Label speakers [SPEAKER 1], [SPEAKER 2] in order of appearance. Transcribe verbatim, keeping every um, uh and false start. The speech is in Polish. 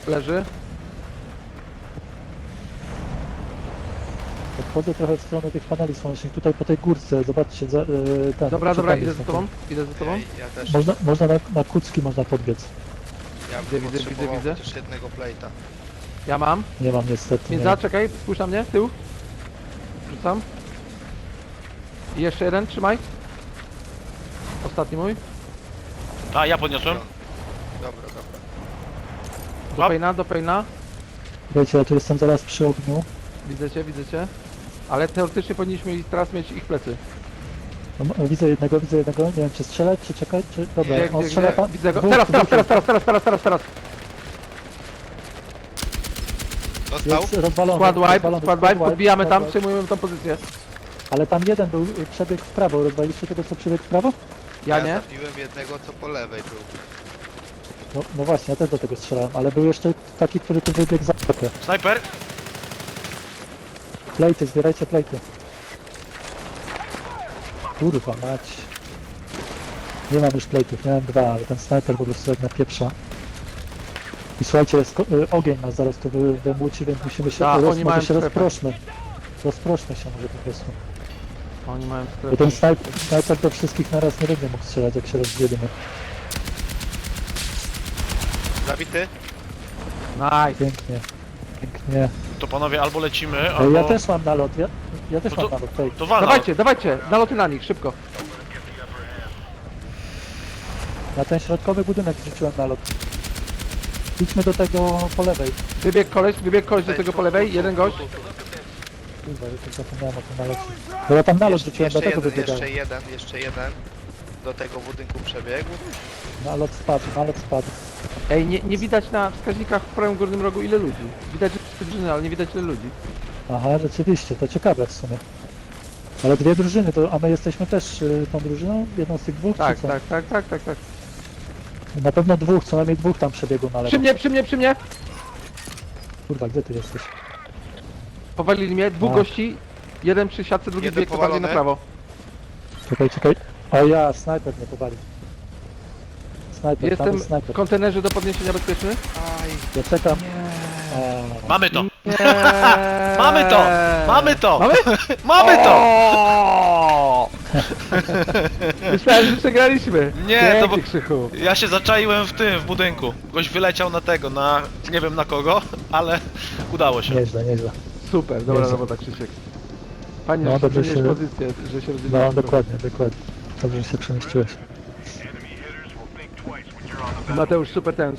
[SPEAKER 1] Leży.
[SPEAKER 2] Odchodzę trochę w stronę tych paneli słonecznych, tutaj po tej górce, zobaczcie, za, yy, ten...
[SPEAKER 1] Dobra, dobra,
[SPEAKER 2] przed
[SPEAKER 1] idę
[SPEAKER 2] nami
[SPEAKER 1] za
[SPEAKER 2] są
[SPEAKER 1] tobą. Idę za tobą.
[SPEAKER 3] Ej, ja też.
[SPEAKER 2] Można, można na, na kucki można podbiec.
[SPEAKER 3] Ja
[SPEAKER 1] Widzę,
[SPEAKER 3] bym
[SPEAKER 1] widzę,
[SPEAKER 3] potrzebował
[SPEAKER 1] widzę, widzę.
[SPEAKER 3] chociaż jednego plate'a.
[SPEAKER 1] Ja mam.
[SPEAKER 2] Nie mam niestety,
[SPEAKER 1] Więc
[SPEAKER 2] nie.
[SPEAKER 1] zaczekaj, spójrz na mnie, tył. Rzucam. I jeszcze jeden, trzymaj. Ostatni mój.
[SPEAKER 4] A, ja podniosłem.
[SPEAKER 3] Dobra, dobra.
[SPEAKER 1] Do
[SPEAKER 4] Hop.
[SPEAKER 1] pejna, do pejna.
[SPEAKER 2] Wiecie, ja tu jestem zaraz przy ogniu.
[SPEAKER 1] Widzę cię, widzę cię. Ale teoretycznie powinniśmy ich teraz mieć ich plecy.
[SPEAKER 2] No, m- widzę jednego, widzę jednego, nie wiem czy strzelać, czy czekać, czy... Dobra,
[SPEAKER 1] Gdzie,
[SPEAKER 2] on
[SPEAKER 1] gdzie,
[SPEAKER 2] strzela
[SPEAKER 1] gdzie?
[SPEAKER 2] pan...
[SPEAKER 1] Widzę go.
[SPEAKER 2] dwóch,
[SPEAKER 1] Teraz, teraz,
[SPEAKER 2] dwóch
[SPEAKER 1] teraz, teraz, teraz, teraz, teraz, teraz.
[SPEAKER 3] Dostał?
[SPEAKER 2] Jest rozwalony,
[SPEAKER 1] Squad wipe,
[SPEAKER 2] rozwalony,
[SPEAKER 1] squad wipe, podbijamy
[SPEAKER 2] squad
[SPEAKER 1] tam,
[SPEAKER 2] wipe.
[SPEAKER 1] przejmujemy tą pozycję.
[SPEAKER 2] Ale tam jeden był, y, przebiegł w prawo, rozwaliliście tego co przebiegł w prawo?
[SPEAKER 1] Ja nie.
[SPEAKER 3] zabiłem jednego, co po lewej był.
[SPEAKER 2] No, no właśnie, ja też do tego strzelałem, ale był jeszcze taki, który tu wybiegł za trochę.
[SPEAKER 4] Snajper.
[SPEAKER 2] Plejty, zbierajcie plejty. Kurwa mać. Nie mam już plejtów, miałem dwa, ale ten snajper po prostu jak napieprza. I słuchajcie, jest ko- y, ogień nas zaraz tu wy- wymłóci, więc musimy się,
[SPEAKER 1] Tak,
[SPEAKER 2] roz,
[SPEAKER 1] oni mają
[SPEAKER 2] może się
[SPEAKER 1] strefę.
[SPEAKER 2] rozproszmy. Rozproszmy się może po prostu.
[SPEAKER 1] Oni mają
[SPEAKER 2] Bo
[SPEAKER 1] strefę.
[SPEAKER 2] ten snajper, snajper do wszystkich naraz nie będzie mógł strzelać, jak się rozdzielimy.
[SPEAKER 3] Zabity?
[SPEAKER 1] Nice.
[SPEAKER 2] Pięknie, pięknie.
[SPEAKER 4] To panowie albo lecimy,
[SPEAKER 2] Ej,
[SPEAKER 4] albo...
[SPEAKER 2] ja też mam nalot, ja, ja też
[SPEAKER 4] No
[SPEAKER 2] mam
[SPEAKER 4] to-
[SPEAKER 2] nalot, tej.
[SPEAKER 4] To wala.
[SPEAKER 1] Dawajcie, dawajcie, naloty na nich, szybko.
[SPEAKER 2] Na ten środkowy budynek rzuciłem nalot. Idźmy do tego po lewej.
[SPEAKER 1] Wybieg koleś, wybieg koleś do tego po lewej, jeden gość.
[SPEAKER 2] Kurwa, ja tylko zapomniałem o tym nalocie. Bo ja tam nalot
[SPEAKER 3] Jeszcze,
[SPEAKER 2] rzuciłem,
[SPEAKER 3] jeszcze,
[SPEAKER 2] dlatego
[SPEAKER 3] jeden,
[SPEAKER 2] wybiegałem.
[SPEAKER 3] jeszcze jeden, jeszcze jeden. Do tego budynku przebiegł.
[SPEAKER 2] Nalot spadł, nalot spadł.
[SPEAKER 1] Ej, nie, nie widać na wskaźnikach w prawym górnym rogu ile ludzi. Widać, że trzy drużyny, ale nie widać ile ludzi.
[SPEAKER 2] Aha, rzeczywiście, to ciekawe w sumie. Ale dwie drużyny, to, a my jesteśmy też y, tą drużyną? Jedną z tych dwóch,
[SPEAKER 1] Tak,
[SPEAKER 2] czy co?
[SPEAKER 1] tak, tak, tak, tak, tak.
[SPEAKER 2] Na pewno dwóch, co najmniej dwóch tam przebiegło na lewo.
[SPEAKER 1] Przy mnie, przy mnie, przy mnie!
[SPEAKER 2] Kurwa, gdzie ty jesteś?
[SPEAKER 1] Powalili mnie, dwóch
[SPEAKER 2] A.
[SPEAKER 1] gości. Jeden przy siatce, drugi
[SPEAKER 3] Jeden
[SPEAKER 1] bieg bardziej na
[SPEAKER 3] powalony.
[SPEAKER 1] prawo.
[SPEAKER 2] Czekaj, czekaj. O ja, snajper mnie powalił. Snajper, tam
[SPEAKER 1] Jestem
[SPEAKER 2] jest
[SPEAKER 1] w
[SPEAKER 2] snajper.
[SPEAKER 1] kontenerze do podniesienia bezpieczny.
[SPEAKER 3] Aj,
[SPEAKER 2] Ja czekam. A,
[SPEAKER 4] Mamy to!
[SPEAKER 1] Nie.
[SPEAKER 4] Mamy to! Mamy to!
[SPEAKER 1] Mamy?
[SPEAKER 4] Mamy to!
[SPEAKER 1] O! Myślałem, że przegraliśmy.
[SPEAKER 4] Nie, to
[SPEAKER 1] Pięknie,
[SPEAKER 4] bo-
[SPEAKER 1] Krzychu.
[SPEAKER 4] Ja się zaczaiłem w tym, w budynku. Goś wyleciał na tego, na... nie wiem na kogo, ale udało się.
[SPEAKER 2] nieźle, nieźle.
[SPEAKER 1] Super, dobra
[SPEAKER 2] Jezu.
[SPEAKER 1] robota, Krzysiek. Fajnie,
[SPEAKER 2] No,
[SPEAKER 1] że
[SPEAKER 2] dobrze
[SPEAKER 1] zmieniłeś
[SPEAKER 2] się-
[SPEAKER 1] pozycję, że się rozdzieliłeś.
[SPEAKER 2] No, dokładnie, dokładnie. Dobrze, że się przemieściłeś.
[SPEAKER 1] Mateusz, super ten.